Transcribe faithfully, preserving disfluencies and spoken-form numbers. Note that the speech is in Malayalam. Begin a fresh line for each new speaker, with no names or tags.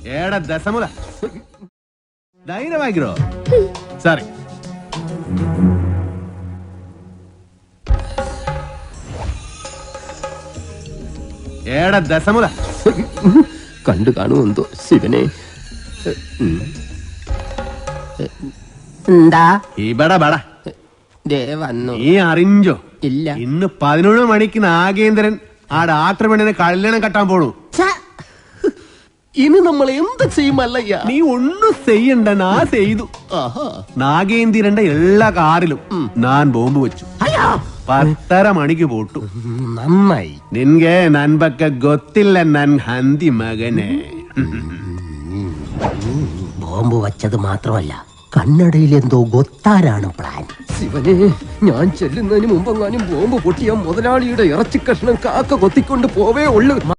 ഏടാ ദശമുല ധൈര്യമായിക്കോ. സോറി. ഏടാ ദശമുല
കണ്ടു കാണുമെന്തോ ശിവനെ. എന്താ
ഇവിടെ ബട
വന്നു
നീ അറിഞ്ഞോ?
ഇല്ല.
ഇന്ന് പതിനൊന്ന് മണിക്ക് നാഗേന്ദ്രൻ ആ ഡാക്ടർ പെണ്ണിനെ കല്യാണം കെട്ടാൻ പോണു.
ഇനി നമ്മൾ എന്ത് ചെയ്യുമല്ലയ്യ?
നീ ഒന്നും ചെയ്യണ്ട, നാ ചെയ്തു. നാഗേന്ദ്രന്റെ എല്ലാ കാറിലും ഞാൻ ബോംബ് വെച്ചു. പത്തര മണിക്ക് പോട്ടു.
നന്നായി.
നിൻಗೆ ನನ್ ಬಗ್ಗೆ ಗೊತ್ತಿಲ್ಲ ನನ್ ಹಂದಿ മകനെ.
ബോംബ് വച്ചത് മാത്രമല്ല, കണ്ണടയിൽ എന്തോ ഗൊത്താനാണ് പ്ലാൻ. ശിവനെ, ഞാൻ ചെല്ലുന്നതിന് മുമ്പെങ്ങാനും ബോംബ് പൊട്ടിയ മുതലാളിയുടെ ഇറച്ചി കഷ്ണം കാക്ക കൊത്തിക്കൊണ്ട് പോവേ ഉള്ളു.